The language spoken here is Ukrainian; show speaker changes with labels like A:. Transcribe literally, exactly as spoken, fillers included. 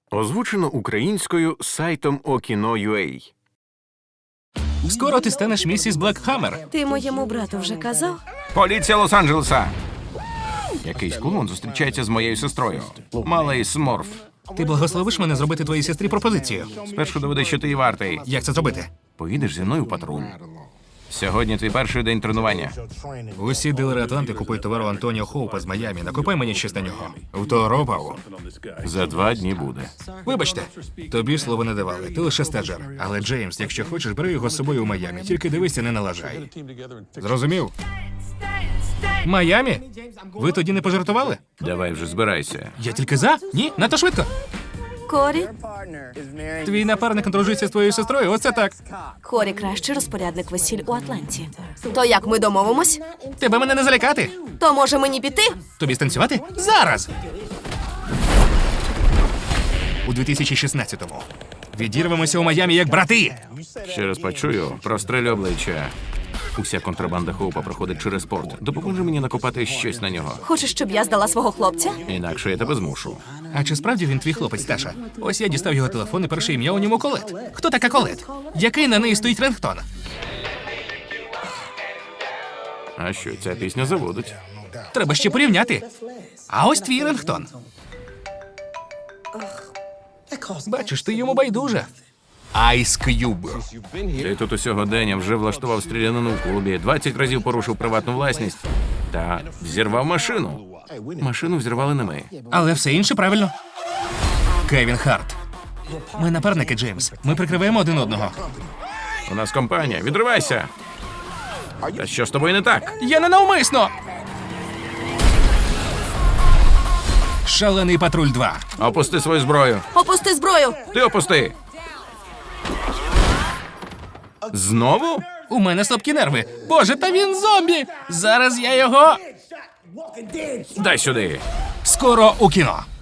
A: Озвучено українською сайтом Okino.ua.
B: Скоро ти станеш місіс Блекхаммер.
C: Ти моєму брату вже казав?
A: Поліція Лос-Анджелеса! Якийсь клоун зустрічається з моєю сестрою. Малий Сморф.
B: Ти благословиш мене зробити твоїй сестрі пропозицію.
A: Спершу доведи, що ти її вартий.
B: Як це зробити?
A: Поїдеш зі мною в патруль. Сьогодні твій перший день тренування.
B: Усі дилери Атланти купують товару Антоніо Хоупа з Майамі. Накопай мені щось на нього. Второпав.
A: За два дні буде.
B: Вибачте, тобі слово не давали. Ти лише стажер. Але, Джеймс, якщо хочеш, бери його з собою у Майамі. Тільки дивися, не налажай. Зрозумів? Майамі? Ви тоді не пожартували?
A: Давай вже збирайся.
B: Я тільки за? Ні? Надто швидко.
C: Корі?
B: Твій напарник одружується з твоєю сестрою, оце так.
C: Корі кращий розпорядник весіль у Атланті. То як ми домовимось?
B: Тебе мене не залякати.
C: То може мені піти?
B: Тобі станцювати? Зараз! У дві тисячі шістнадцятому. Відірвемося у Майамі як брати.
A: Ще раз почую, прострелю обличчя. Уся контрабанда Хоупа проходить через порт. Допоможи мені накопати щось на нього.
C: Хочеш, щоб я здала свого хлопця?
A: Інакше я тебе змушу.
B: А чи справді він твій хлопець, Таша? Ось я дістав його телефон і перше ім'я у ньому Колет. Хто така Колет? Який на неї стоїть рингтон?
A: А що, ця пісня заводить?
B: Треба ще порівняти. А ось твій рингтон. Бачиш, ти йому байдуже. Ice Cube.
A: Ти тут усього день вже влаштував стрілянину в клубі, двадцять разів порушив приватну власність та взірвав машину. Машину взірвали не ми.
B: Але все інше правильно. Кевін Харт. Ми напарники, Джеймс. Ми прикриваємо один одного.
A: У нас компанія, відривайся! Та що з тобою не так?
B: Я не навмисно! Шалений патруль два.
A: Опусти свою зброю.
C: Опусти зброю!
A: Ти опусти. Знову?
B: У мене слабкі нерви. Боже, та він зомбі! Зараз я його...
A: Дай сюди.
B: Скоро у кіно.